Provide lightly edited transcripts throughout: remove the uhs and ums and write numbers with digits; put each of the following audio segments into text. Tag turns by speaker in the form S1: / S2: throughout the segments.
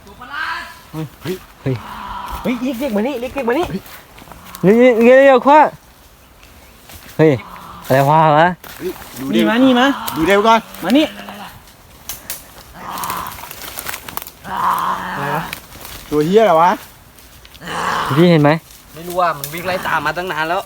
S1: เฮ้ยเฮ้ยเฮ้ยเรียกมานี่เรียกมานี่เร็วๆคว้าเฮ้ยอะไรวะนี่มา
S2: ดูเร็วก่อน
S1: มานี่
S2: อะไรวะตัวเฮียอะไรวะ
S1: พี่เห็นไหม
S3: ไม่รู้ว่ามันวิ่งไล่ตามมาตั้งนานแล้ว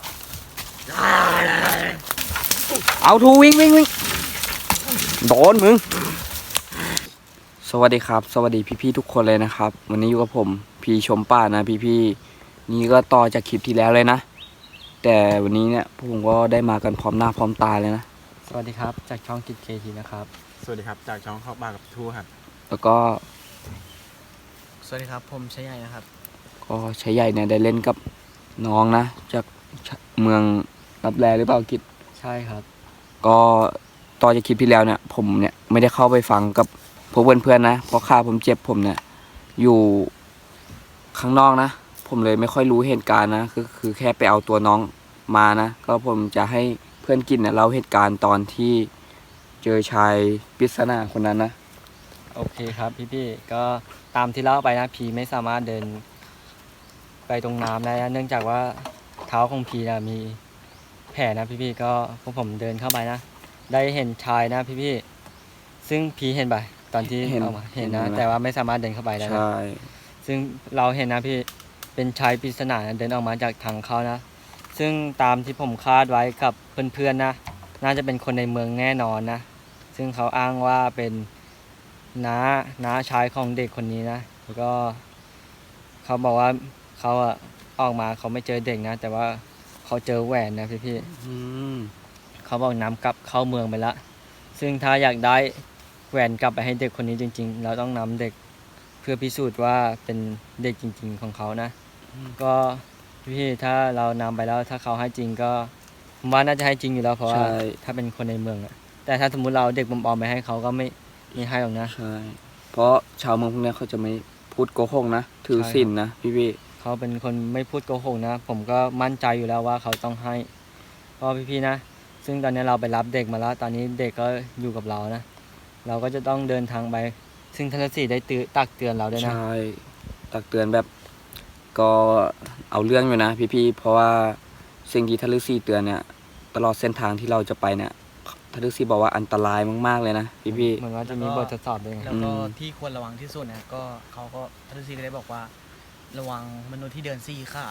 S1: เอาทูวิ่งโดนมึง
S3: สวัสดีครับสวัสดีพี่ๆทุกคนเลยนะครับวันนี้อยู่กับผมพี่ชมป่านะพี่ๆนี่ก็ต่อจากคลิปที่แล้วเลยนะแต่วันนี้เนี่ยผมก็ได้มากันพร้อมหน้าพร้อมตาเลยนะ
S1: สวัสดีครับจากช่องกิจเคทีนะครับ
S2: สวัสดีครับจากช่องเข้าบ้านกับทูครับ
S3: แล้วก็
S1: สวัสดีครับผมชัยใหญ่นะครับ
S3: ก็ชัยใหญ่เนี่ยได้เล่นกับน้องนะจากเมืองรับแลหรือเปล่ากิจ
S1: ใช่ครับ
S3: ก็ต่อจากคลิปที่แล้วเนี่ยผมเนี่ยไม่ได้เข้าไปฟังกับพวกเพื่อนๆนะเพราะข้าผมเจ็บผมเนี่ยอยู่ข้างนอกนะผมเลยไม่ค่อยรู้เหตุการณ์นะคือแค่ไปเอาตัวน้องมานะก็ผมจะให้เพื่อนกินเนี่ยเล่าเหตุการณ์ตอนที่เจอชายปริศนาคนนั้นนะ
S1: โอเคครับพี่ก็ตามที่เล่าไปนะพีไม่สามารถเดินไปตรงน้ำได้นะเนื่องจากว่าเท้าของพีนะมีแผลนะพี่ก็พวกผมเดินเข้าไปนะได้เห็นชายนะพี่ซึ่งพีเห็นไปตอนที่เอามาเห็นนะแต่ว่าไม่สามารถเดินเข้าไปได้นะซึ่งเราเห็นนะพี่เป็นชายปริศนาเดินออกมาจากทางเขานะซึ่งตามที่ผมคาดไว้กับเพื่อนๆนะน่าจะเป็นคนในเมืองแน่นอนนะซึ่งเขาอ้างว่าเป็นน้าชายของเด็กคนนี้นะแล้วก็เขาบอกว่าเขาออกมาเขาไม่เจอเด็กนะแต่ว่าเขาเจอแหวนนะพี่เขาบอกนำกลับเข้าเมืองไปละซึ่งถ้าอยากได้แหวนกลับไปให้เด็กคนนี้จริงๆเราต้องนำเด็กเพื่อพิสูจน์ว่าเป็นเด็กจริงๆของเขานะก็พี่ถ้าเรานำไปแล้วถ้าเขาให้จริงก็ผมว่าน่าจะให้จริงอยู่แล้วเพราะว่าถ้าเป็นคนในเมืองอะแต่ถ้าสมมุติเราเด็กปลอมๆไปให้เขาก็ไม่ให้หรอกนะ
S3: ใช่เพราะชาวเมืองพวกนี้เขาจะไม่พูดโกหกนะถือศีลนะพี่
S1: เขาเป็นคนไม่พูดโกหกนะผมก็มั่นใจอยู่แล้วว่าเขาต้องให้เพราะพี่นะซึ่งตอนนี้เราไปรับเด็กมาแล้วตอนนี้เด็กก็อยู่กับเรานะเราก็จะต้องเดินทางไปซึ่งท่านฤาษีได้ตักเตือนเราด้วยนะ
S3: ใช่ตักเตือนแบบก็เอาเรื่องอยู่นะพี่เพราะว่าสิ่งที่ท่านฤาษีเตือนเนี่ยตลอดเส้นทางที่เราจะไปเนี่ยท่านฤาษีบอกว่าอันตรายมากๆเลยนะพี่
S1: เหมือนว่าจะมีบททดสอบด้วย
S4: แล้วก็ที่ควรระวังที่สุดนะก็เขาก็ท่านฤาษีก็ได้บอกว่าระวังมนุษย์ที่เดินสี่ขา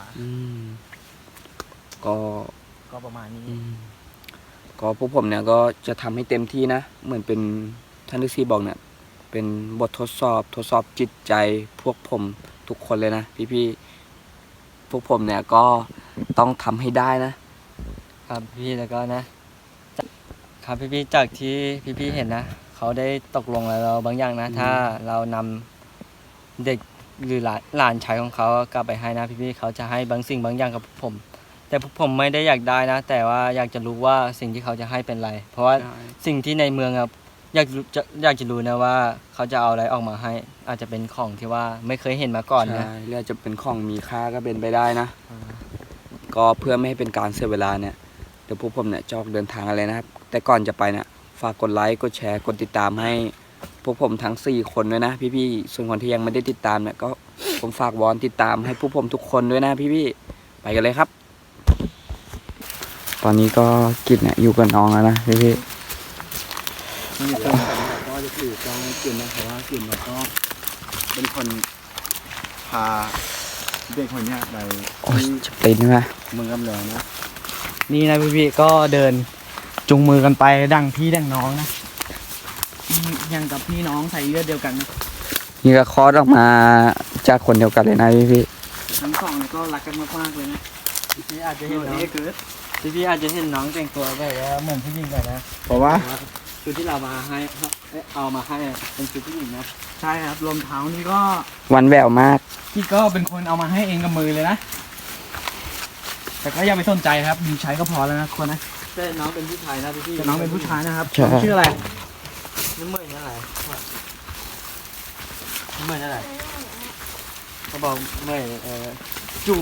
S4: ก็ประมาณนี้
S3: ก็พวกผมเนี่ยก็จะทำให้เต็มที่นะเหมือนเป็นท่านฤาษีบอกเนี่ยเป็นบททดสอบจิตใจพวกผมทุกคนเลยนะพี่พวกผมเนี่ยก็ต้องทำให้ได้
S1: นะครับพี่แล้วก็นะครับพี่จากที่พี่เห็นนะเขาได้ตกลงแล้วบางอย่างนะถ้าเรานำเด็กหรือหลานชายของเขากลับไปให้นะพี่เขาจะให้บางสิ่งบางอย่างกับผมแต่ผมไม่ได้อยากได้นะแต่ว่าอยากจะรู้ว่าสิ่งที่เขาจะให้เป็นอะไรเพราะว่าสิ่งที่ในเมืองครับอยากจะรู้นะว่าเขาจะเอาอะไรออกมาให้อาจจะเป็นของที่ว่าไม่เคยเห็นมาก่อนนะ
S3: หรืออาจจะเป็นของมีค่าก็เป็นไปได้นะก็เพื่อไม่ให้เป็นการเสียเวลาเนี่ยเดี๋ยวพวกผมเนี่ยจะออกเดินทางอะไรนะครับแต่ก่อนจะไปเนี่ยฝากกดไลค์กดแชร์กดติดตามให้พวกผมทั้ง4คนด้วยนะพี่ส่วนคนที่ยังไม่ได้ติดตามเนี่ยก็ผมฝากวอนติดตามให้พวกผมทุกคนด้วยนะพี่ไปกันเลยครับตอนนี้ก็กิจเนี่ยอยู่กับน้องแล้วนะพี่
S2: ก็จะถือกล้องให้กินนะเพราะว่ากินเราก็เป็นคนพาเด็กคนนี้ไป
S3: จะเป็นไหม
S2: เมืองกำเนิดนะ
S4: นี่นะพี่ก็เดินจุงมือกันไปดั่งพี่ดั่งน้องนะยังกับพี่น้องใส่เลือดเดียวกันนะ
S3: นี่ก็คลอดออกมาจากคนเดียวกันเลยนะพี่
S4: ทั้งสองก็รักกันมากๆเลยนะ
S1: พี่อาจจะเห็นน้องพี่อาจจะเห็นน้องแต่งตัวแบบว่าเหมือนผู้หญิงกันนะ
S2: เพราะว่า
S1: ชุดที่เรามาให้เอามาให้เป็นชุดผู้หญิงนะ
S4: ใช่ครับรองเท้านี่ก็
S3: วันแววมาก
S4: พี่ก็เป็นคนเอามาให้เองกับมือเลยนะแต่ก็อย่าไปสนใจครับมีใช้ก็พอแล้วนะคนนะ
S1: แต่น้องเป็นผู้ชายนะพี่
S4: แต่น้องเป็นผู้ชายนะครับชื่ออะไร
S1: น้ำเมยนั่นแหละน้ำเมยนั่นแหละเขาบอกเมยจู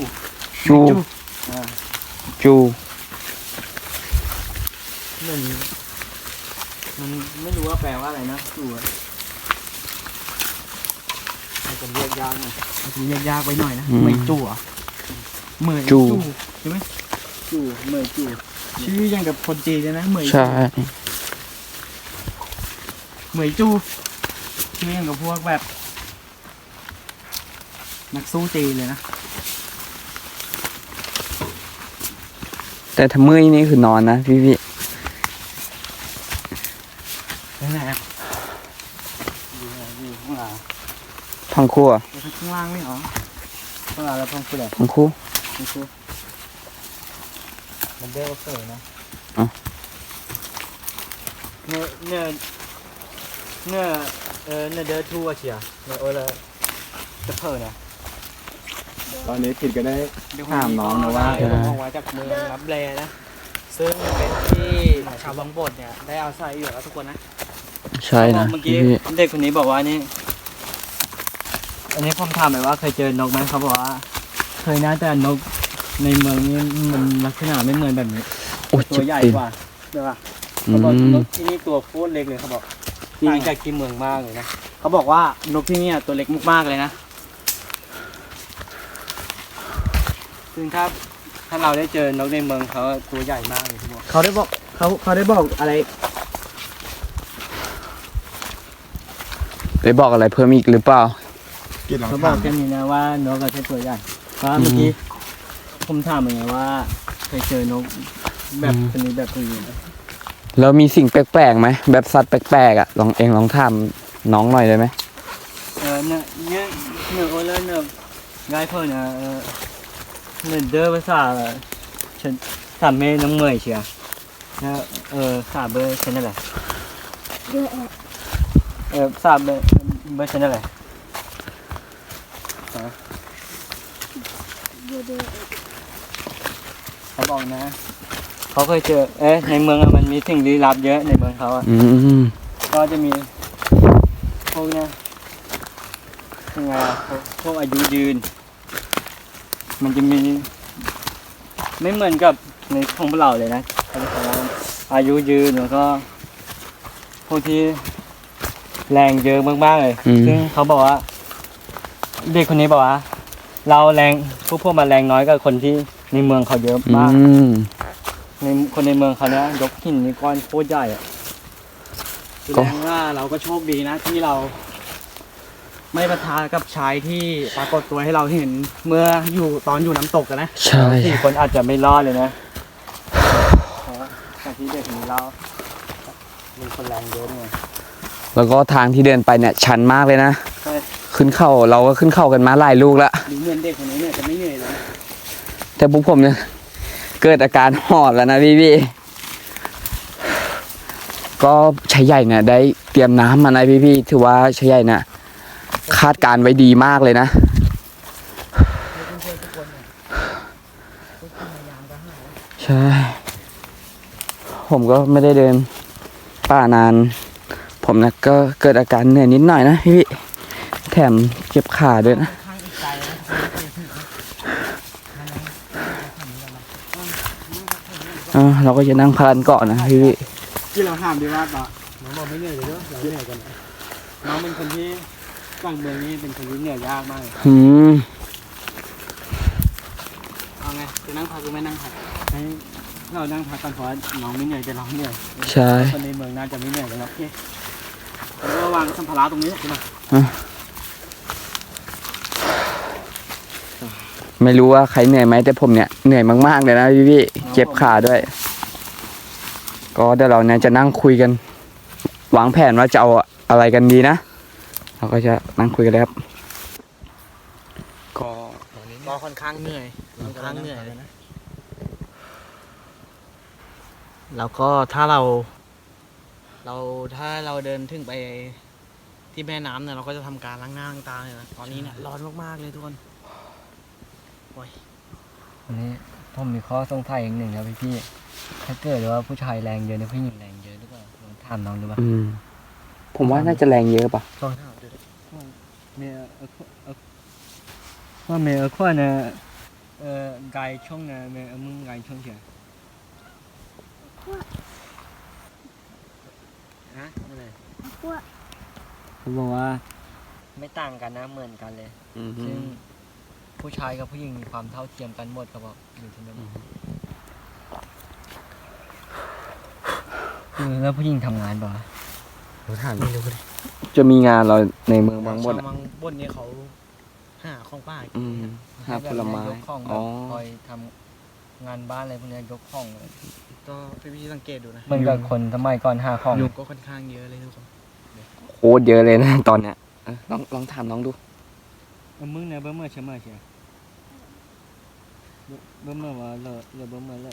S1: มันไม่รู้ว่าแปลว่าอะไรนะจูจะเรียกยากหน่อย
S4: เรียกยากไปหน่อยนะ
S3: อืม
S4: เหมยจู่เหรอเหมย
S3: จู่
S4: ใช่ไหม
S2: จู่เมื่อยจู่
S4: ชื่อยังกับคนจีนเลยนะเหมย
S3: ใช่
S4: เหมยจู่ชื่อยังกับพวกแบบ นักสู้จีนเลยนะ
S3: แต่ถ้าเมื่อยนี่คือนอนนะพี่
S4: ไปไหนอะ
S1: อยู่ข้างหลัง
S3: พังคู่อะ
S4: ไปข้างล่างไม่เหรอ
S1: ข้างหลังแล้วพ้องคืออะไร
S3: พังคู่
S1: นี่คือมันเรียกว่าเฟยนะ
S3: อ๋อ
S1: เนี่ยเดอร์ทูอะเชียเนี่ยโอ้ละจะเพิ่นะ
S2: ตอนนี้ผิดก็ได้ถามน้องนะว่า
S1: ได้ผมเอาไว้จากเมืองรับแลนะ ซึ่งเป็นที่ชาวบางบดเนี่ยได้อาศัยอยู่แล้วทุกคนนะ
S3: ใช่นะ
S1: เมื่อ
S3: พี่
S1: กี้เด็กคนนี้บอกว่านี่ อันนี้ผมถามไปว่าเคยเจอนกไหมเขาบอกว่า เคยนะแต่นกในเมืองนี้มันลักษณะไม่เหมือนแบบนี้
S3: โอ้ย
S1: ตั
S3: เจ็
S1: ว
S3: บ
S1: ใหญ่
S3: ตีน
S1: กว่าใช่ปะ
S3: อื
S1: เขาบอกน
S3: ม
S1: กที่นี่ตัวโคตรเล็กเลยเขาบอกต่างจากที่เมืองมากเลยนะ
S4: เขาบอกว่านกที่เนี่ยตัวเล็กมากๆเลยนะ
S1: ซึ่งถ้าเราได้เจอนกในเมืองเขาตัวใหญ่มากเลยเขาบอก
S4: เขาได้บอกเขาได้บอกอะไร
S3: ไปบอกอะไรเพิ่มอีกหรือเปล่า
S2: กินลอง
S1: เขาบอ
S2: ถาก ม
S1: แค่นี้นะว่านกก็ใช่ตัวใหญ่เพราะเมื่อกี้ผมถามเหมือนกันว่าเคยเจอนกแบบชนิดแบบนี้ไหม
S3: แล้วมีสิ่งแปลกๆไหมแบบสัตว์แปลกๆอ่ะลองถามน้องหน่อยได้ไหม
S1: เนี่ยโอเลเนี่ยง่ายเพิ่นนะเนี่ยเดอภาษาฉันถามแม่น้องเมยเชียนะสาเบอร์ฉันนั่นแหละสาเบอร์ฉันนั่นแหละเขาบอกนะเขาเคยเจอในเมืองอะมันมีสิ่งลี้ลับเยอะในเมืองเขาอะ
S3: อืม
S1: ก็จะมีพวกเนี่ยยังไงอะพวกอายุยืน มันจะมีไม่เหมือนกับในของพวกเราเลยนะเขาจะบอกว่าอายุยืนแล้วก็พวกที่แรงเยอะมากๆเลย ซึ่งเขาบอกว่า เด็กคนนี้บอกว่า เราแรงพวกมันแรงน้อยกว่าคนที่ในเมืองเขาเยอะ
S3: อื
S1: มาก
S3: ม
S1: ในคนในเมืองเขาเนี้ยยกหินนี่ก้อนโคตรใหญ่อะแสดงว่าเราก็โชคดีนะที่เรา
S4: ไม่ประทะกับชายที่ปรากฏตัวให้เราเห็นเมื่อตอนอยู่น้ำตกกันนะ
S3: ใช่
S1: สี่คนอาจจะไม่รอดเลยนะเพราะจากที่เด็กคนนี้เรามีคนแรงเยอะไง
S3: แล้วก็ทางที่เดินไปเนี่ยชันมากเลยนะ
S1: ใช่
S3: ขึ้นเข้าเราก็ขึ้นเข้ากันมาหลายลูกแล้ว
S1: ดูเหมือนเด็กคนนี้เนี่ยจะไม่เหนื่อยเลย
S3: แต่พวกผมเนี่ยเกิดอาการหอบแล้วนะพี่ก็ชายใหญ่เนี่ยได้เตรียมน้ำมานะพี่ถือว่าชายใหญ่เนี่ยคาดการณ์ไว้ดีมากเลยนะ ใช่ ผมก็ไม่ได้เดินป่านาน ผมนะก็เกิดอาการเหนื่อยนิดหน่อยนะพี่แถมเจ็บขาด้วยนะ
S4: ข้างอีกไกลนะ
S3: เราก็จะนั่งพันเกาะนะพี่
S2: ที่เราห้ามดีว่าต่อ
S1: น้องบอกไม่เหนื่อยเลยเนาะเราเหนื่อยกันน้องเป็นคนที่กลางเมืองนี้เป็นคนที่เหนื่อยยากมากเลย
S3: อืม
S1: เอาไงจะนั่งพักหรือไม่นั่งพักให้เรานั่งพักกันเพราะว่าน้องไม่เหนื่อยแต่เราเหนื่อย
S3: ใช่
S1: คนในเมืองน่าจะไม่เหนื่อยกันหรอกโอเคแล้วก็วางสัมภาระตรงนี้ใช่ไหม
S3: ไม่รู้ว่าใครเหนื่อยไหมแต่ผมเนี่ยเหนื่อยมากๆเลยนะพี่เจ็บขาด้วย ก็เดี๋ยวเราเนี่ยจะนั่งคุยกัน วางแผนว่าจะเอาอะไรกันดีนะ เราก็จะนั่งคุยกันแล้วครับก็
S4: ก็ค่อนข้างเหนื่อยเลยนะแล้วก็ถ้าเราเดินถึงไปที่แม่น้ำเนี่ยเราก็จะทำการล้างหน้าล้างตาเลยนะตอนนี้เนี่ยร้อนมากๆเลยทุกคน
S1: อันนี้ผมมีข้อสงสัยอย่างหนึ่งนะพี่ถ้าเกิดว่าผู้ชายแรงเยอะนะผู้หญิงแรงเยอะหรือเปล่าลองถามน้องดูป่ะ
S3: ผมว่าน่าจะแรงเยอะป่ะ
S1: ลองถามดูดิเมียว่าเมียขั้วเนี่ยไก่ช่องเนี่ยเมียมึงไก่ช่องเฉียฮะอะไรเขาบอกว่าไม่ต่างกันนะเหมือนกันเลย
S3: อืม
S1: ซึ่งผู้ชายกับผู้หญิงมีความเท่าเทียมกันหมดครับผมอยู่ที่นั่นแล้วผู้หญิงทำงานป่ะ
S2: เราถามไม่รู้เลย
S3: จะมีงานเราในเมืองบางบด
S4: ชาว
S3: อะ
S4: บางบนเนี่ยเขาหาของป่ากิน
S3: อืมหาผลไม้
S1: ยกของแบ
S3: อ๋
S1: บ
S3: อ
S1: คอยทำงานบ้านอะไรพวกเนี้ยยกของเลย
S4: ก็พี่สังเกตดูนะ
S1: เหมือนกับคนสมัยก่อนหาของ
S4: ยุงก็ค่อนข้างเยอะเลยทุกคน
S3: โคตรเยอะเลยนะตอนเนี้ยลองถามน้องดู
S1: มึงเนี่ยเบิ่มเมื่อเชื่อเมื่อเชื่อเบิ่มเมื่อว่าเลยเบิ่มเมื่อเลย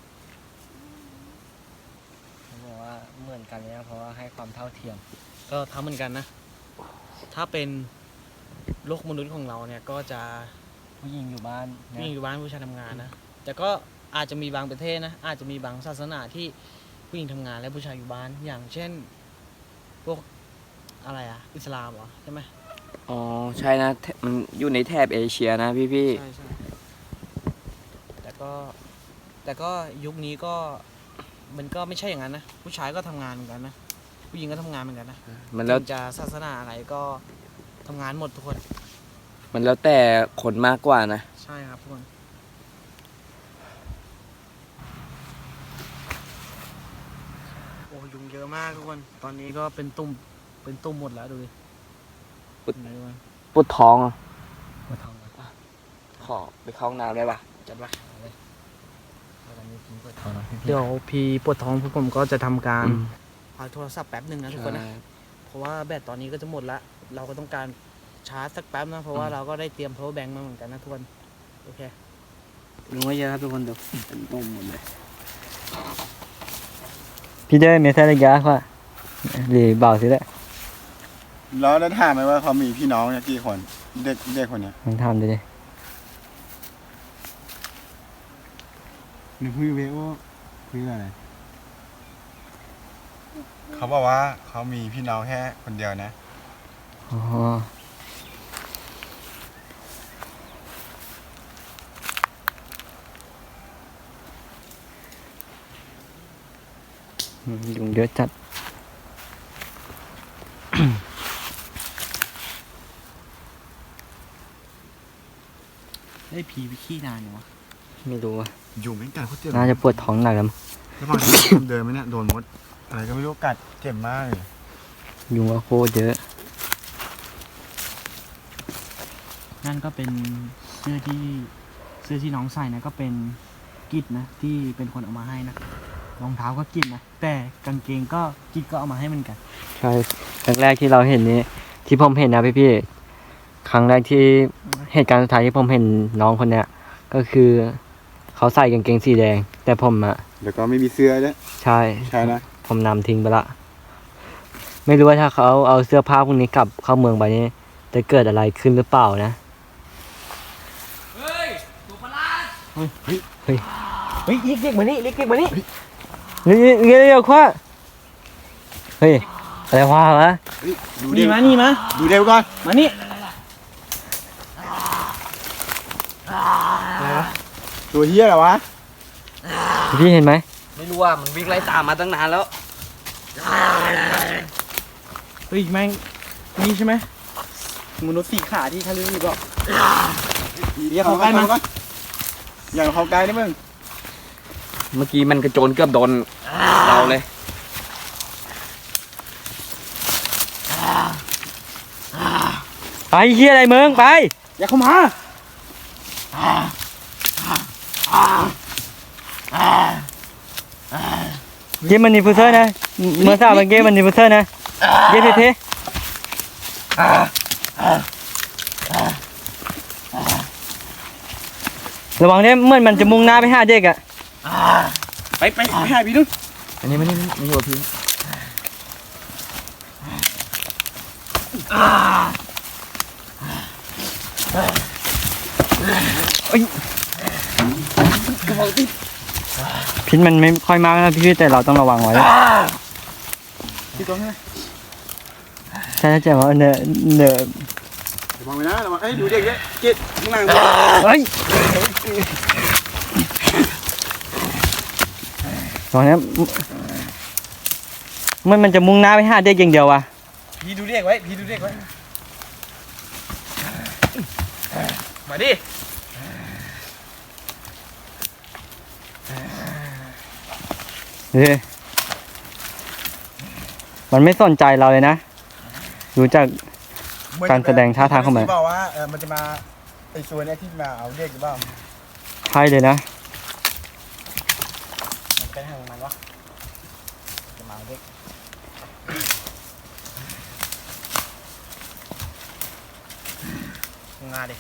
S1: เขาบอกว่าเหมือนกันเลยนะเพราะว่าให้ความเท่าเทียม
S4: ก็ทำเหมือนกันนะ ถ้าเป็นโลกมนุษย์ของเราเนี่ยก็จะ
S1: ผู้หญิงอยู่บ้าน
S4: ผู้หญิงอยู่บ้านผู้ชายทำงานนะ แต่ก็อาจจะมีบางประเทศนะ อาจจะมีบางศาสนาที่ผู้หญิงทำงานและผู้ชายอยู่บ้าน อย่างเช่น พวกอะไรอะอิสลามเหรอใช่ไหม
S3: อ๋อใช่นะมันอยู่ในแถบเอเชียนะพี่
S4: ใช่ใช่แต่ก็ยุคนี้ก็มันก็ไม่ใช่อย่างนั้นนะ ผู้ชายก็ทำงานเหมือนกันนะ ผู้หญิงก็ทำงานเหมือนกันนะ
S3: มันแล้ว
S4: ถึงจะศาสนาอะไรก็ทำงานหมดทุกคน
S3: มันแล้วแต่คนมากกว่านะ
S4: ใช่ครับทุกคน โอ้ยุงเยอะมากทุกคน ตอนนี้ก็เป็นตุ่มหมดแล้วดูดิ
S3: ปุ๊ด
S4: เห็นไหมทุกคน
S3: ปวดท้องอ่ะ
S1: มาทำกัน
S3: ขอไปเข้าห้องน้ำได้ปะ
S4: จัดไป
S1: ตอนนี้พี่เปิดท้องแล้วพี่
S4: เดี๋ยวพี่ปวดท้องพวกผมก็จะทำการ
S3: อืม
S4: พักโทรศัพท์แป๊บหนึ่งนะทุกคนนะ เพราะว่าแบตตอนนี้ก็จะหมดละ เราก็ต้องการชาร์จสักแป๊บนะ เพราะว่าเราก็ได้เตรียม power bank มาเหมือนกันนะทุกคน โอเค
S3: ลุงว่าเยอะครับทุกคนดูเป็นนมหมดเลย
S1: พี่ได้เมสเซจระยะว่าหรือเบาสิแหละ
S2: แล้วได้ถามไหมว่าเขามีพี่น้องเนี่ยกี่คน เด็กคนเนี้ย
S1: ลองทำดูดิ
S2: หรือคุยเวโอคุยอะไรเขาบอกว่าเขามีพี่น้องแค่คนเดียวนะ
S1: อ๋อยุงเยอะจัด
S4: ได้ผีไปขี้นานอยู่วะ
S1: ไม่รู้ว่า
S2: อยู่ไม่กัดเขาเจ็บ
S1: น่าจะปวดท้องหนักแล้วมั้ง
S2: ระหว่างที่เดินไหมเนี่ยโดนมด อะไรก็ไม่รู้กัดเจ็บมากเลย
S1: ยุงก็โคตรเยอะ
S4: นั่นก็เป็นเสื้อที่น้องใส่นะก็เป็นกิจนะที่เป็นคนเอามาให้นะ รองเท้าก็กิจนะ แต่กางเกงก็กิจก็เอามาให้เหมือนกัน
S1: ใช่ครั้งแรกที่เราเห็นนี้ที่ผมเห็นนะพี่ๆครั้งแรกที่เหตุการณ์สุดท้ายที่ผมเห็นน้องคนเนี้ยก็คือเขาใส่กางเกงสีแดง แต่ผมอะ
S2: แล้วก็ไม่มีเสื้อด้วย
S1: ใช่
S2: ใช่นะ
S1: ผมนำทิ้งไปละ ไม่รู้ว่าถ้าเขาเอาเสื้อผ้าพวกนี้กลับเข้าเมืองไปนี่จะเกิดอะไรขึ้นหรือเปล่านะ
S4: เฮ้ยตัวประหลาด
S1: เฮ้ย
S4: เฮ้ยเรียกมานี่เรียกมานี่
S1: เร็วๆคว้าเฮ้ยอะไรวะ
S2: เฮ้ยดู
S4: นี่
S2: เร็ว
S4: มานี่มา
S2: ดูเร็วก่อน
S4: มานี่
S2: ตัวเฮียเหรอวะ
S1: พี่เห็นไหม
S3: ไม่รู้ว่ามันวิ่งไล่ตามมาตั้งนานแล้ว
S4: เฮ้ยแม่งนี่ใช่ไหมมนุษย์สี่ขาที่เขาเรียกอยู่ก็ เรียกเขาใกล้มา
S2: อย่าเขาใกล้นะมึง
S3: เมื่อกี้มันกระโจนเกือบโดนเราเลย
S1: ไปเฮียอะไรเมืองไป
S4: อย่าเข้ามา
S1: เกมมันนิฟูเซอร์นะเมื่อสาวเกมมันนิฟูเซอร์นะเย้เท่ๆระวังเนี่ยเหมื่อนมันจะมุ่งหน้าไปหาเด็กอะ
S4: ไปหาพี่นุ่น
S1: อันนี้ไม่อยู่กับพี่พิษมันไม่ค่อยมากนะพี่แต่เราต้องระวังไว้
S2: ที่ตรงนี้
S1: ใช่ใช่ว่าเนอะ
S2: ระวังไว้นะระวังเอ้ยดูเด็กด้วยเจ็ดข้างหลัง
S1: เฮ้ยตอนนี้มันจะมุ่งหน้าไปหาเด็กอย่างเดียววะ
S4: พี่ดูเรียกไว้พี่ดูเรียกไว้
S3: ดิ
S1: เฮ้ยมันไม่สนใจเราเลยนะรู้จัก การแสดงท่าทางของมัน
S2: บอกว่ามันจะมาไอ้ส่วนเนี้ยที่มาเอาเด็กหรือเปล่า
S1: ใช่เลยนะ
S2: มันเป็นทางมันวะจะมาเอาเด็กงาดิ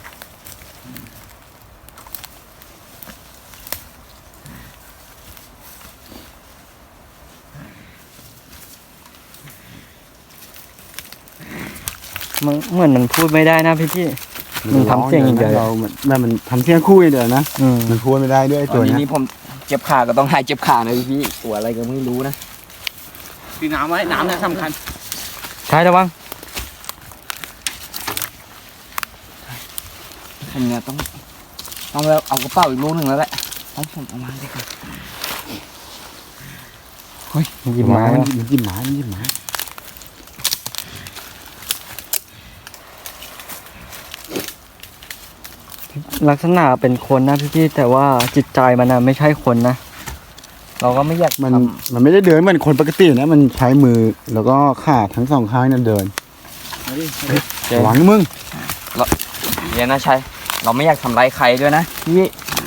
S1: มันเหมือนมันพูดไม่ได้นะพี่มันทำเสียงอย่างเดียว
S2: มันทำเสียงคู่อย่างเดียวนะ
S1: อืม
S2: มันพูดไม่ได้ด้วยไอ้
S3: ต
S2: ตั
S3: อ
S2: วน
S3: นี้
S2: เนี้ย
S3: นี่ผมเจ็บขาก็ต้องหายเจ็บขานะพี่ตัวอะไรก็ไม่รู้นะตีน้ำไว้น้ำเนี่ยสำคัญ
S1: ใช่ระวัง
S3: ผมเนี่ยต้องเอากระเป๋าอีกลูกหนึ่งแล้วแหละให้ผมเอามาดีกว่า
S1: หยิบไม้
S2: มันหยิบไม้มันหยิบไม้
S1: ลักษณะเป็นคนนะพี่แต่ว่าจิตใจมันนะไม่ใช่คนนะ เราก็ไม่อยาก
S2: มัน
S1: ท
S2: มันไม่ได้เดินเหมือนคนปกตินะมันใช้มือแล้วก็ขาทั้งสองข้างนั่นเดิน
S3: เจ๊
S2: หวังมึง
S3: เดี๋ยวนะชัยเราไม่อยากทำร้ายใครด้วยนะพี่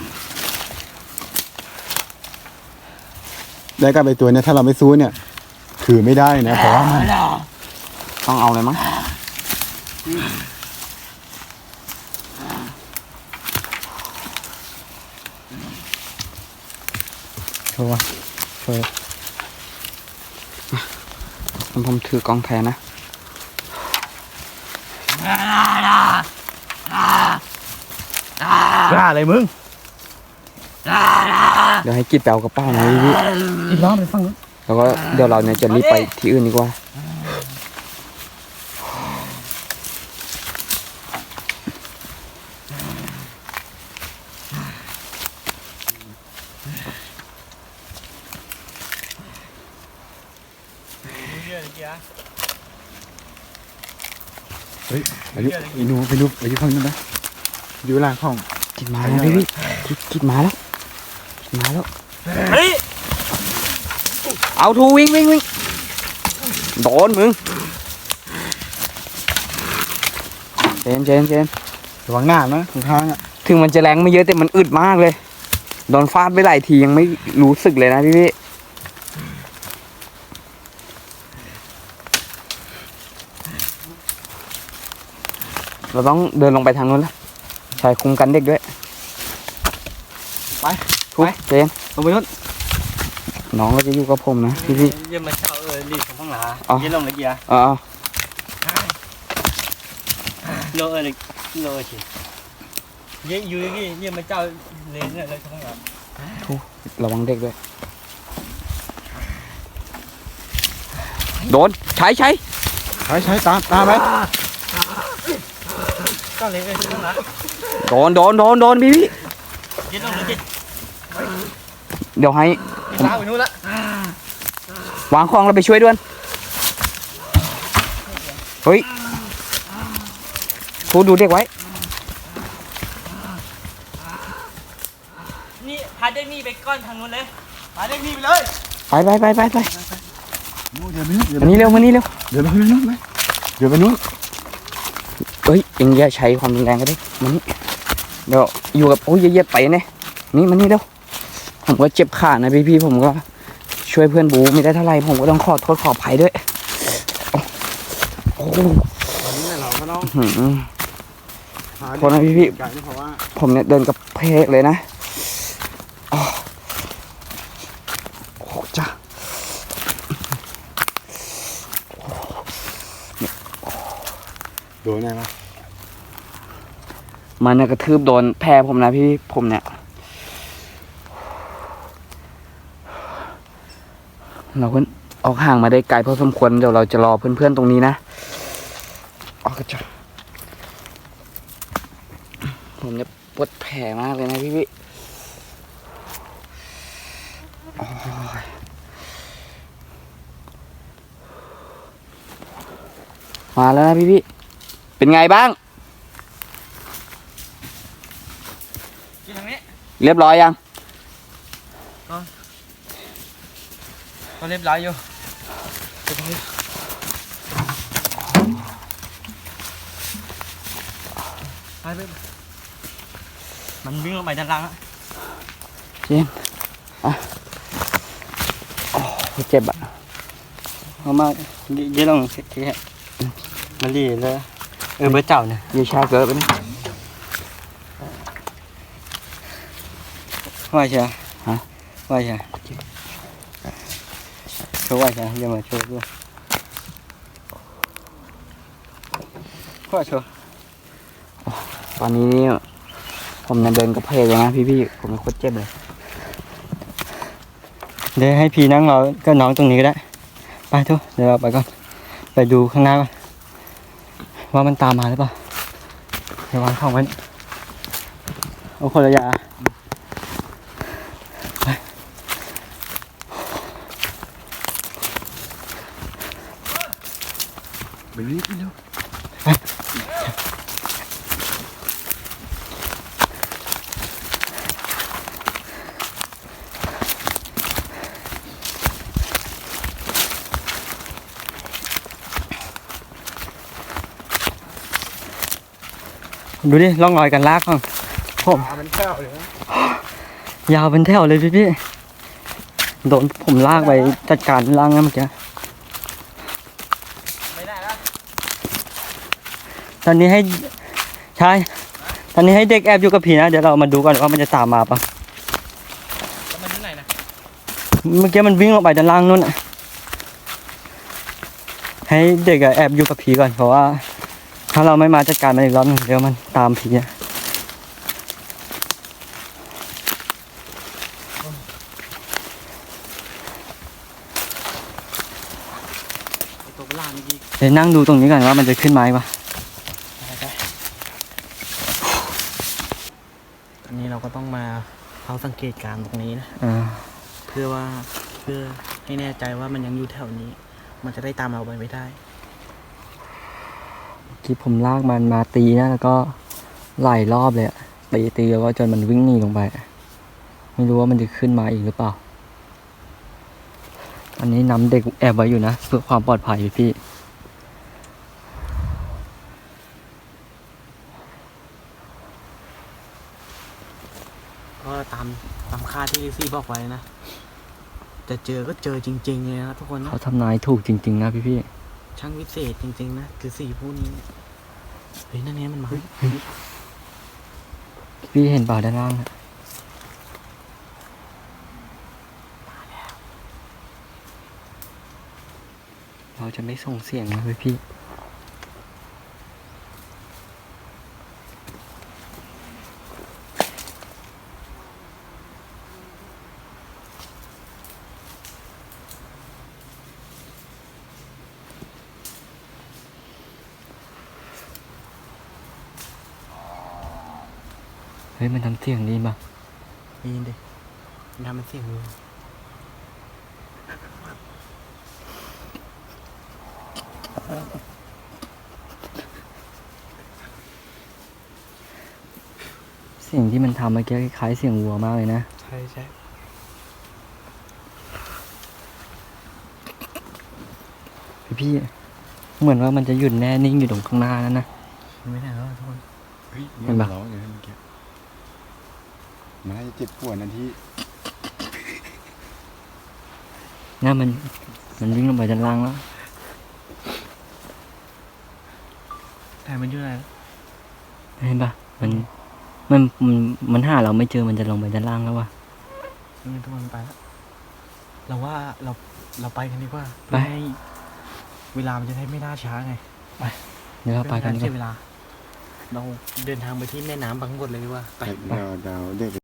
S2: ได้กับไอ้ตัวเนี้ยถ้าเราไม่สู้เนี่ยถือไม่ได้นะเพราะว่ามัน
S3: ต้องเอาเลยมั้ง
S1: ำชัวร์ชัวร์
S3: ผมถือกล้องแทนนะ
S2: กล้าอะไรมึง
S3: เดี๋ยวให้กิดแปลกระเป๋าหน่อยพี่
S4: อีกรอบไปฟังนู้น
S3: แล้วก็เดี๋ยวเราเนี่ยจะรีบไปที่อื่นดีกว่า
S2: อายุไอ้หนูไปดูข้างนั้นนะดูหลังห้อง
S3: กิดมาแล้วพี่กิดมาแล้วกิดมาแล้วเอาทูวิ่งโดนมึงเจน
S2: ระวังหน้านะข้างๆอ่ะ
S3: ถึงมันจะแรงไม่เยอะแต่มันอึดมากเลยโดนฟาดไปหลายทียังไม่รู้สึกเลยนะพี่เราต้องเดินลงไปทางนู้นแล้วชายคุมกันเด็กด้วยไปเจน
S1: ลงไปนู้น
S3: น้องก็จะอยู่กับผมนะพี่
S1: เยี่ยมมาเช่ารีดของห้องหลา
S3: อ๋อ
S1: เยี่ยมลงเลยเกียร์
S3: อ๋อ
S1: โลเลยโลสิเยี่ยอยู่ที่เยี่ยมมาเจ้าเลนเลยของห้องหลา
S3: ระวังเด็กด้วยโดนใช้
S2: ใช้ตามไหม
S1: ก็เลยของห้องหลา
S3: โดนพี่
S1: เยี่ยมลงเลยเกียร์
S3: เดี๋ยวให้
S1: ลาไปนู้นละ
S3: วางของแล้วไปช่วยด้วยเฮ้ยทูดูเด็กไว้
S1: นี่พาเด็กนี่ไปก้อนทางนู้นเลยพาเด็กนี่ไปเลย
S3: ไป
S2: เดี๋ยวไปนู้น
S3: มานี่เร็ว
S2: เดี๋ยวไปนู้นไหมเดี๋ยวไปนู้น
S3: เฮ้ยเอ็งอย่าใช้ความรุนแรงกันดิมานี่เดี๋ยวอยู่กับโอ้ยเย็บไปเนี่ยนี่มานี่เร็วผมก็เจ็บขานะพี่ผมก็ช่วยเพื่อนบูไม่ได้เท่าไหร่ผมก็ต้องขอโทษขออภัยด้วยโอ้โห
S2: วันนี้เราก็ต้อง
S3: หืม
S2: หา
S3: โทษนะพี่
S2: ไก่นะเพราะว่า
S3: ผมเนี่ยเดินกับเพกเลยนะอ้อโอ้จ้า
S2: โดนไงวะ
S3: มันเนี่ยกระทืบโดนแพรผมนะพี่ผมเนี่ยเราเพิ่งออกห่างมาได้ไกลพอสมควรเดี๋ยวเราจะรอเพื่อนๆตรงนี้นะออกกระจกผมเนี่ยปวดแผลมากเลยนะพี่โอ้ยมาแล้วนะพี่เป็นไงบ้างเรียบร้อยยัง
S1: ก็เรียบร้อยอยู่ไปมันวิ่งลงไปด้านล่างแล้ว
S3: เจมส์โอ้เจ็บอ่ะ
S1: เอามาเดี๋ยวลองทีฮะมันดีเลยเบอร์เจ้าเนี่ย
S3: เยชาเกิดไปนี่
S1: ว่าใช่
S3: ฮะ
S1: ว่าใช่โชว์ว่าใช่เดี๋ยวมาโชว์ด้วยว่าโชว์
S3: ตอนนี้นี่ผมเนี่ยเดินกระเพกเลยนะพี่ผมโคตรเจ็บเลย
S1: เดี๋ยวให้พี่นั่งรอก็น้องตรงนี้ก็ได้ไปทุกเดี๋ยวเราไปก่อนไปดูข้างหน้าก่อนว่ามันตามมาหรือเปล่าเดี๋ยววางของไว้เอาคนละอยาง
S2: ไปรีบเร็ว
S1: ดูดิร่องรอยกันลากของผม
S2: มันแค่เลยนะ
S1: ยาวเป็นแถวเลยพี่โดนผมลากไปจัดการล่างนะเมื่อกี้ตอนนี้ให้ใช่ตอนนี้ให้เด็กแอบอยู่กับผีนะเดี๋ยวเรามาดูกันว่ามันจะตามมาปะ
S4: แล้วมันที่ไหนนะ
S1: เมื่อกี้มันวิ่งออกไปด้านล่างนู่นน่ะให้เด็กอะแอบอยู่กับผีก่อนเพราะว่าถ้าเราไม่มาจัดการมันอีกรอบนึงเดี๋ยวมันตามผีอะ
S4: ตัวประหลาดเมื่อกี้
S1: เดี๋ยวนั่งดูตรงนี้ก่อนว่ามันจะขึ้นไหมปะ
S4: อันนี้เราก็ต้องมาเฝ้าสังเกตการณ์ตรงนี้นะ
S1: อ่า
S4: เพื่อให้แน่ใจว่ามันยังอยู่แถวนี้ มันจะได้ตามเราไปไม่ได้
S1: เมื่อกี้ผมลากมันมาตีนะแล้วก็หลายรอบเลยอะตีแล้วก็จนมันวิ่งหนีลงไปอะไม่รู้ว่ามันจะขึ้นมาอีกหรือเปล่า อันนี้นำเด็กแอบไว้อยู่นะเพื่อความปลอดภัยพี่
S4: ก็ตามค่าที่ลิซี่บอกไว้นะ จะเจอก็เจอจริงๆเลยนะทุกคนนะ
S1: เขาทำนายถูกจริงๆนะพี่
S4: ช่างวิเศษจริงๆนะคือสี่ผู้นี้เฮ้ยนั่นไงมันมา
S1: พี่เห็นเปล่าด้านล่างอะเราจะไม่ส่งเสียงนะพี่ เฮ้ยมันทำเสียงดีป่ะ
S4: ได้ยินดิมันทำเป็นเสียงเลย
S1: เสียงที่มันทำเมื่อกี้คล้ายเสียงวัวมากเลยนะ
S4: ใช่ใช่
S1: พี่เหมือนว่ามันจะหยุดแน่นิ่งอยู่ตรงข้างหน้านั่นนะ
S4: ไม่ได้แล้วทุกคน
S2: เฮ้ย
S1: เห็นปะ
S2: ร้องอย่างนั้นเมื่อกี้มันน่าจะเจ็บปวดนะที่
S1: น่ามันวิ่งลงไปด้านล่างแล้ว
S4: แต่มันอยู่ไหน
S1: เห็นปะมันหาเราไม่เจอมันจะลงไปด้านล่างแล้ววะ
S4: นี่ทุกคนไปแล้วเราว่าเราไปกันดีกว่า
S1: ไป
S4: เพื่อให้เวลามันจะได้ไม่ล่าช้าไง
S1: เดี๋ยวเราไปกันดีก
S4: เสีย
S1: ว่า
S4: เวลา เราเดินทางไปที่แม่น้ำบางบดเลยดีกว่า
S2: เดาเด็ก